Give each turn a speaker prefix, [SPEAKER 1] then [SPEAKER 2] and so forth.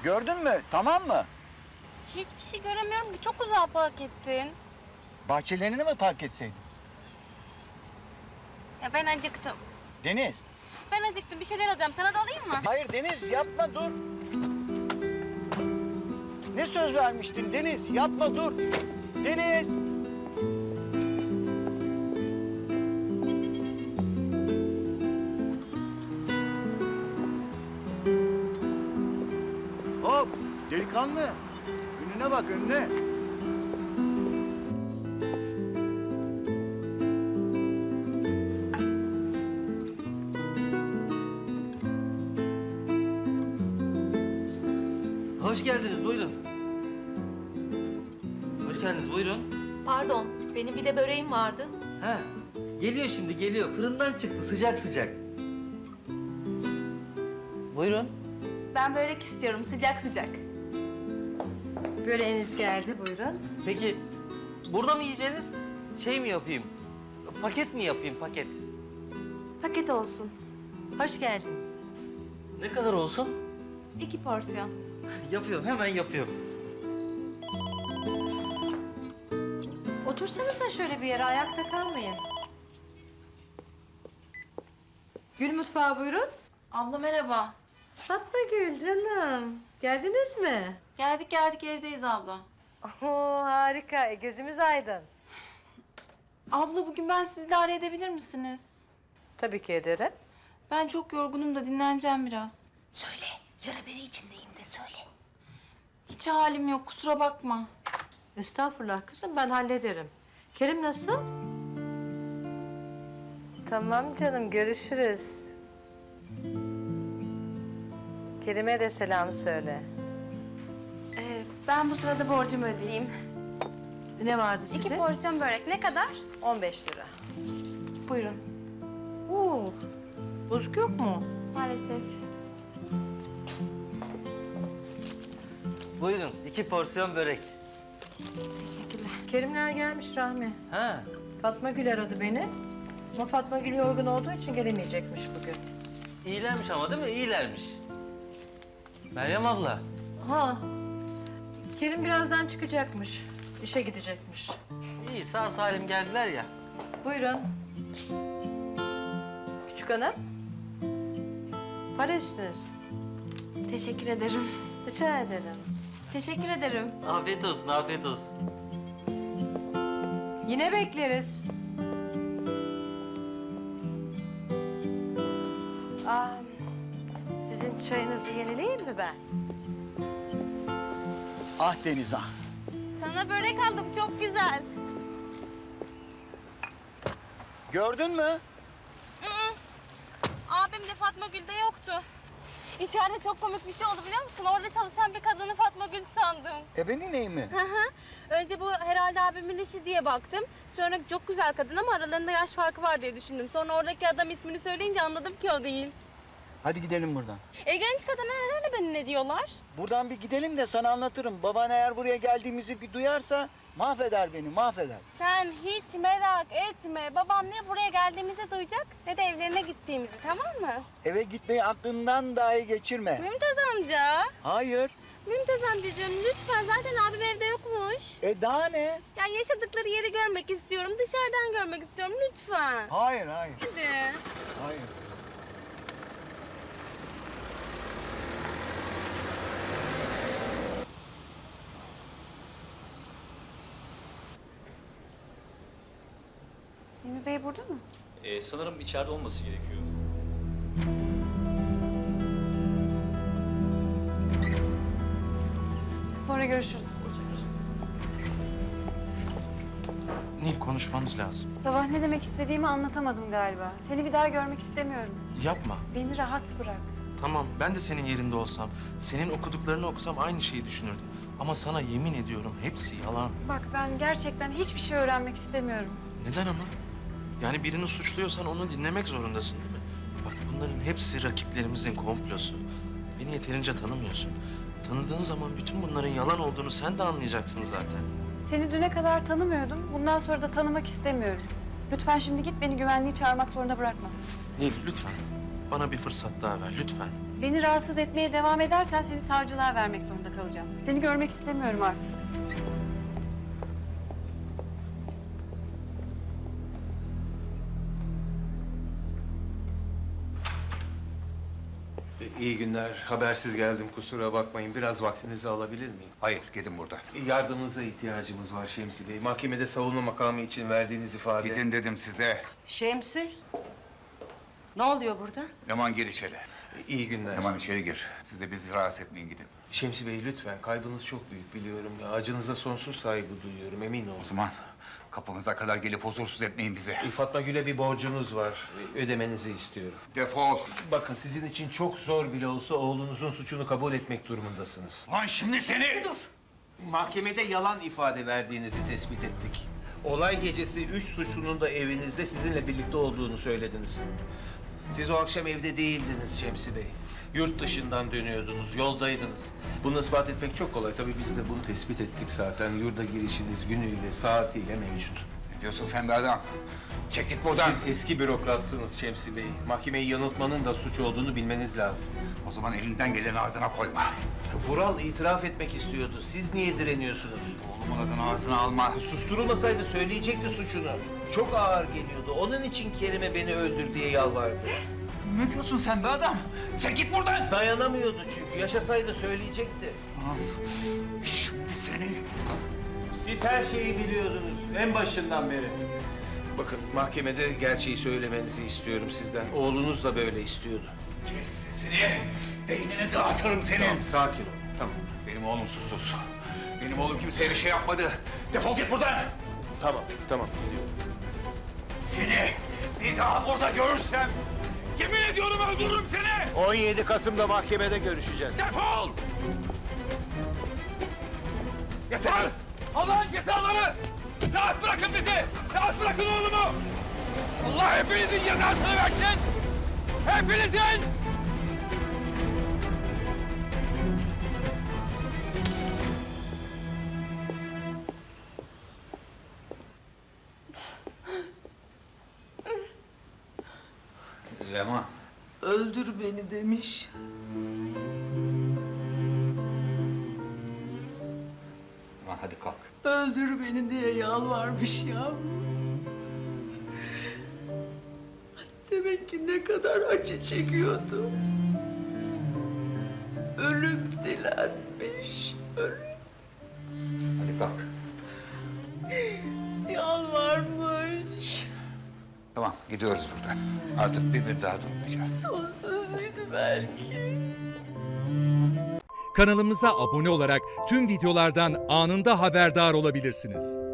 [SPEAKER 1] Gördün mü? Tamam mı?
[SPEAKER 2] Hiçbir şey göremiyorum ki. Çok uzağa park ettin.
[SPEAKER 1] Bahçelerine mi park etseydin?
[SPEAKER 2] Ya ben acıktım.
[SPEAKER 1] Deniz.
[SPEAKER 2] Ben acıktım. Bir şeyler alacağım. Sana da alayım mı?
[SPEAKER 1] Hayır Deniz yapma dur. Ne söz vermiştin Deniz? Yapma dur. Deniz. Hop delikanlı. Önüne bak önüne.
[SPEAKER 3] Hoş geldiniz, buyurun. Hoş geldiniz, buyurun.
[SPEAKER 4] Pardon, benim bir de böreğim vardı.
[SPEAKER 3] Ha, geliyor şimdi, geliyor. Fırından çıktı, sıcak sıcak. Buyurun.
[SPEAKER 2] Ben börek istiyorum. Sıcak sıcak.
[SPEAKER 5] Böreğiniz geldi, buyurun.
[SPEAKER 3] Peki, burada mı yiyeceğiniz? Şey mi yapayım? Paket mi yapayım, paket?
[SPEAKER 2] Paket olsun.
[SPEAKER 5] Hoş geldiniz.
[SPEAKER 3] Ne kadar olsun?
[SPEAKER 2] 2 porsiyon.
[SPEAKER 3] Yapıyorum, hemen yapıyorum.
[SPEAKER 5] Otursanıza şöyle bir yere, ayakta kalmayın. Gül mutfağı buyurun.
[SPEAKER 2] Abla merhaba.
[SPEAKER 5] Fatma Gül canım. Geldiniz mi?
[SPEAKER 2] Geldik evdeyiz abla.
[SPEAKER 5] Oo, harika. Gözümüz aydın.
[SPEAKER 2] Abla bugün ben sizi idare edebilir misiniz?
[SPEAKER 5] Tabii ki ederim.
[SPEAKER 2] Ben çok yorgunum da dinleneceğim biraz.
[SPEAKER 4] Söyle, yara bere içindeyim de söyle.
[SPEAKER 2] Hiç halim yok. Kusura bakma.
[SPEAKER 5] Estağfurullah kızım, ben hallederim. Kerim nasıl? Tamam canım, görüşürüz. Kerim'e de selam söyle.
[SPEAKER 2] Ben bu sırada borcumu ödeyeyim.
[SPEAKER 5] Ne vardı
[SPEAKER 2] 2
[SPEAKER 5] size?
[SPEAKER 2] porsiyon börek. Ne kadar?
[SPEAKER 5] 15 lira.
[SPEAKER 2] Buyurun.
[SPEAKER 5] Oo, bozuk yok mu?
[SPEAKER 2] Maalesef.
[SPEAKER 3] Buyurun, 2 porsiyon börek.
[SPEAKER 2] Teşekkürler.
[SPEAKER 5] Kerimler gelmiş Rahmi.
[SPEAKER 3] Ha,
[SPEAKER 5] Fatma Gül aradı beni. Ama Fatma Gül yorgun olduğu için gelemeyecekmiş bugün.
[SPEAKER 3] iyilermiş ama değil mi? İyilermiş. Meryem abla,
[SPEAKER 5] Ha. Kerim birazdan çıkacakmış. İşe gidecekmiş.
[SPEAKER 3] iyi sağ salim geldiler ya.
[SPEAKER 5] Buyurun. Küçük hanım. Para üstünüz.
[SPEAKER 2] Teşekkür ederim.
[SPEAKER 5] Rica ederim.
[SPEAKER 2] Teşekkür ederim.
[SPEAKER 3] Afiyet olsun, afiyet olsun.
[SPEAKER 5] Yine bekleriz. Sizin çayınızı yenileyim mi ben?
[SPEAKER 1] Ah Deniz ah.
[SPEAKER 2] Sana börek aldım. Çok güzel.
[SPEAKER 1] Gördün mü?
[SPEAKER 2] Abim de Fatma Gül'de yoktu. İçeride çok komik bir şey oldu biliyor musun? Orada çalışan bir kadını Fatma Gül sandım.
[SPEAKER 1] Benim neyim mi?
[SPEAKER 2] Önce bu herhalde abimin işi diye baktım. Sonra çok güzel kadın ama aralarında yaş farkı var diye düşündüm. Sonra oradaki adam ismini söyleyince anladım ki o değil.
[SPEAKER 1] Hadi gidelim buradan.
[SPEAKER 2] Genç kadına neden beni ne diyorlar?
[SPEAKER 1] Buradan bir gidelim de sana anlatırım. Baban eğer buraya geldiğimizi bir duyarsa mahveder beni, mahveder.
[SPEAKER 2] Sen hiç merak etme. Babam ne buraya geldiğimizi duyacak ne de evlerine gittiğimizi, tamam mı?
[SPEAKER 1] Eve gitmeyi aklından dahi geçirme.
[SPEAKER 2] Mümtaz amca.
[SPEAKER 1] Hayır.
[SPEAKER 2] Mümtaz amcacığım lütfen, zaten abim evde yokmuş.
[SPEAKER 1] Daha ne?
[SPEAKER 2] Ya yaşadıkları yeri görmek istiyorum. Dışarıdan görmek istiyorum lütfen.
[SPEAKER 1] Hayır, hayır,
[SPEAKER 2] Hadi.
[SPEAKER 1] hayır.
[SPEAKER 2] Hilmi Bey burada mı?
[SPEAKER 6] Sanırım içeride olması gerekiyor.
[SPEAKER 2] Sonra görüşürüz.
[SPEAKER 7] Nil, konuşmamız lazım.
[SPEAKER 8] Sabah ne demek istediğimi anlatamadım galiba. Seni bir daha görmek istemiyorum.
[SPEAKER 7] Yapma.
[SPEAKER 8] Beni rahat bırak.
[SPEAKER 7] Tamam, ben de senin yerinde olsam, senin okuduklarını okusam aynı şeyi düşünürdüm. Ama sana yemin ediyorum hepsi yalan.
[SPEAKER 8] Bak ben gerçekten hiçbir şey öğrenmek istemiyorum.
[SPEAKER 7] Neden ama? Yani birini suçluyorsan onu dinlemek zorundasın değil mi? Bak bunların hepsi rakiplerimizin komplosu. Beni yeterince tanımıyorsun. Tanıdığın zaman bütün bunların yalan olduğunu sen de anlayacaksın zaten.
[SPEAKER 8] Seni düne kadar tanımıyordum. Bundan sonra da tanımak istemiyorum. Lütfen şimdi git, beni güvenliği çağırmak zorunda bırakma.
[SPEAKER 7] Nil lütfen bana bir fırsat daha ver lütfen.
[SPEAKER 8] Beni rahatsız etmeye devam edersen seni savcılığa vermek zorunda kalacağım. Seni görmek istemiyorum artık.
[SPEAKER 9] İyi günler. Habersiz geldim, kusura bakmayın. Biraz vaktinizi alabilir miyim?
[SPEAKER 10] Hayır, gidin buradan.
[SPEAKER 9] Yardımınıza ihtiyacımız var Şemsi Bey. Mahkemede savunma makamı için verdiğiniz ifade...
[SPEAKER 10] Gidin dedim size.
[SPEAKER 5] Şemsi, ne oluyor burada?
[SPEAKER 10] Leman gir içeri.
[SPEAKER 9] İyi günler.
[SPEAKER 10] Leman içeri gir. Size bizi rahatsız etmeyin, gidin.
[SPEAKER 9] Şemsi Bey lütfen, kaybınız çok büyük biliyorum. Ya, acınıza sonsuz saygı duyuyorum, emin olun.
[SPEAKER 10] O zaman kapımıza kadar gelip huzursuz etmeyin bizi.
[SPEAKER 9] Fatma Gül'e bir borcunuz var. Ödemenizi istiyorum.
[SPEAKER 10] Defol.
[SPEAKER 9] Bakın sizin için çok zor bile olsa oğlunuzun suçunu kabul etmek durumundasınız.
[SPEAKER 10] Lan şimdi seni...
[SPEAKER 5] Dur.
[SPEAKER 9] Mahkemede yalan ifade verdiğinizi tespit ettik. Olay gecesi 3 suçlunun da evinizde sizinle birlikte olduğunu söylediniz. Siz o akşam evde değildiniz Şemsi Bey. Yurt dışından dönüyordunuz, yoldaydınız. Bunu ispat etmek çok kolay. Tabii biz de bunu tespit ettik zaten. Yurda girişiniz günüyle, saatiyle mevcut.
[SPEAKER 10] Ne diyorsun sen be adam? Çek git buradan.
[SPEAKER 9] Siz eski bürokratsınız Şemsi Bey. Mahkemeyi yanıltmanın da suç olduğunu bilmeniz lazım.
[SPEAKER 10] O zaman elinden geleni ardına koyma.
[SPEAKER 9] Vural itiraf etmek istiyordu. Siz niye direniyorsunuz?
[SPEAKER 10] Oğlumun adını ağzına alma.
[SPEAKER 9] Susturulmasaydı söyleyecekti suçunu. Çok ağır geliyordu. Onun için Kerime beni öldür diye yalvardı.
[SPEAKER 10] Ne diyorsun sen be adam? Çek git buradan.
[SPEAKER 9] Dayanamıyordu çünkü. Yaşasaydı söyleyecekti.
[SPEAKER 10] Lan şimdi seni...
[SPEAKER 9] Siz her şeyi biliyordunuz. En başından beri. Bakın mahkemede gerçeği söylemenizi istiyorum sizden. Oğlunuz da böyle istiyordu.
[SPEAKER 10] Kes sesini. Beynini dağıtırım senin.
[SPEAKER 9] Tamam, sakin ol. Tamam.
[SPEAKER 10] Benim oğlum susuz. Benim oğlum kimseye bir şey yapmadı. Defol git buradan.
[SPEAKER 9] Tamam, tamam. Gidiyorum.
[SPEAKER 10] Seni bir daha burada görürsem yemin ediyorum öldürürüm seni.
[SPEAKER 9] 17 Kasım'da mahkemede görüşeceğiz.
[SPEAKER 10] Defol! Yeter! Allah'ın cezaları! Rahat bırakın bizi! Rahat bırakın oğlumu! Allah hepinizin cezasını versin! Hepinizin! Leman.
[SPEAKER 5] Öldür beni demiş.
[SPEAKER 10] Leman hadi kalk.
[SPEAKER 5] Öldür beni diye yalvarmış ya. Demek ki ne kadar acı çekiyordu. Ölüm dilenmiş. Ölüm
[SPEAKER 10] Hadi kalk.
[SPEAKER 5] yalvarmış.
[SPEAKER 10] Tamam gidiyoruz buradan. Artık bir gün daha durmayacağız.
[SPEAKER 5] Sonsuzuydu belki.
[SPEAKER 11] Kanalımıza abone olarak tüm videolardan anında haberdar olabilirsiniz.